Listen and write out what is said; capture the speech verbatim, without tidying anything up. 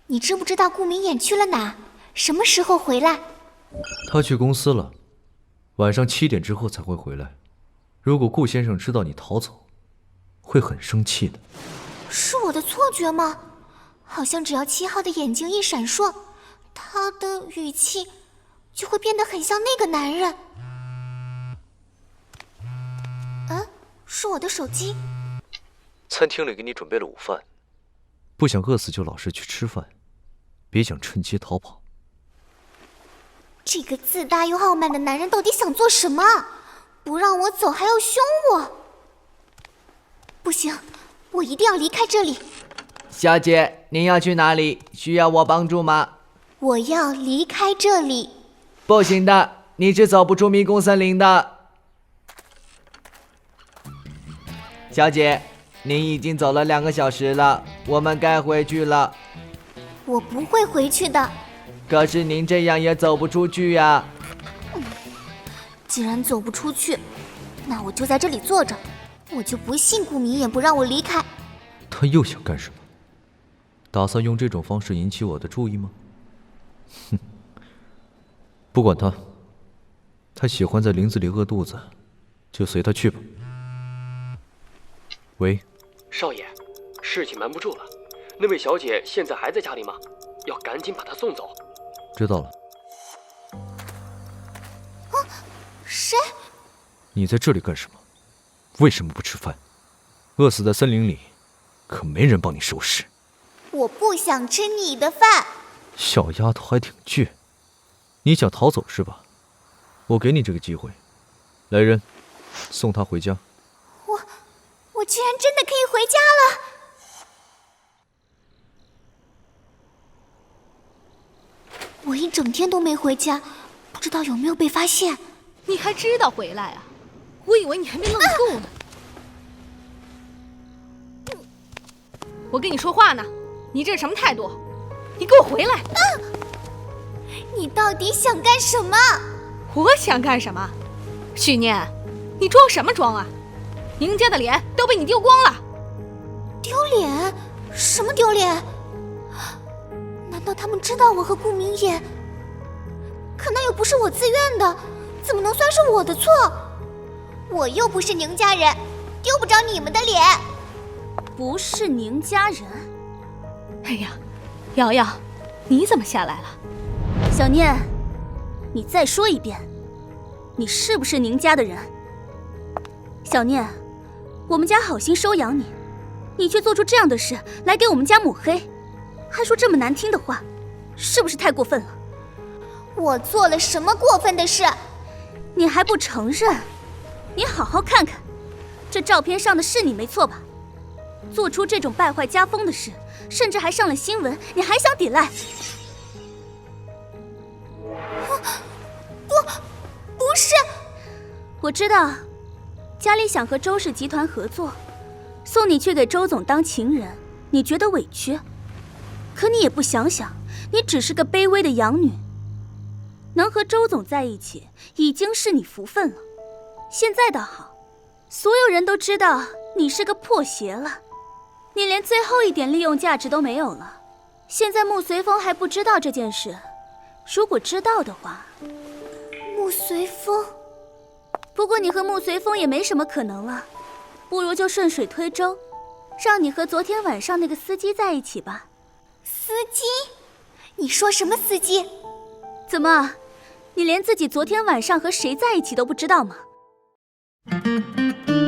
你知不知道顾明衍去了哪？什么时候回来？ 他去公司了，晚上七点之后才会回来。如果顾先生知道你逃走，会很生气的。 是我的错觉吗？好像只要七号的眼睛一闪烁，他的语气就会变得很像那个男人。嗯，是我的手机。 餐厅里给你准备了午饭，不想饿死就老实去吃饭，别想趁机逃跑。 这个自大又傲慢的男人到底想做什么？不让我走还要凶我？不行，我一定要离开这里。 小姐，您要去哪里？需要我帮助吗？ 我要离开这里。 不行的，你是走不出迷宫森林的。小姐，您已经走了两个小时了，我们该回去了。 我不会回去的。 可是您这样也走不出去呀。 嗯，既然走不出去，那我就在这里坐着。我就不信顾明衍不让我离开。 他又想干什么？打算用这种方式引起我的注意吗？哼，不管他，他喜欢在林子里饿肚子，就随他去吧。喂， 少爷，事情瞒不住了，那位小姐现在还在家里吗？要赶紧把她送走。 知道了。 啊，谁？ 你在这里干什么？为什么不吃饭？饿死在森林里，可没人帮你收拾。 我不想吃你的饭。 小丫头还挺倔，你想逃走是吧？我给你这个机会，来人，送她回家。 我，我居然真的可以回家了！我一整天都没回家，不知道有没有被发现。 你还知道回来啊？我以为你还没愣够呢。啊、我跟你说话呢，你这是什么态度？你给我回来！ 啊、你到底想干什么？ 我想干什么？许念，你装什么装啊？宁家的脸都被你丢光了。 丢脸？什么丢脸？难道他们知道我和顾明衍？可那又不是我自愿的，怎么能算是我的错？我又不是宁家人，丢不着你们的脸。 不是宁家人？ 哎呀，瑶瑶，你怎么下来了？ 小念，你再说一遍，你是不是宁家的人？小念，我们家好心收养你，你却做出这样的事来给我们家抹黑，还说这么难听的话，是不是太过分了？ 我做了什么过分的事？ 你还不承认？你好好看看，这照片上的是你没错吧？做出这种败坏家风的事，甚至还上了新闻，你还想抵赖？ 不，不是。 我知道，家里想和周氏集团合作，送你去给周总当情人，你觉得委屈。可你也不想想，你只是个卑微的养女，能和周总在一起，已经是你福分了。现在倒好，所有人都知道你是个破鞋了，你连最后一点利用价值都没有了。现在穆随风还不知道这件事，如果知道的话， 穆随风。 不过你和穆随风也没什么可能了，不如就顺水推舟，让你和昨天晚上那个司机在一起吧。 司机？你说什么司机？ 怎么，你连自己昨天晚上和谁在一起都不知道吗？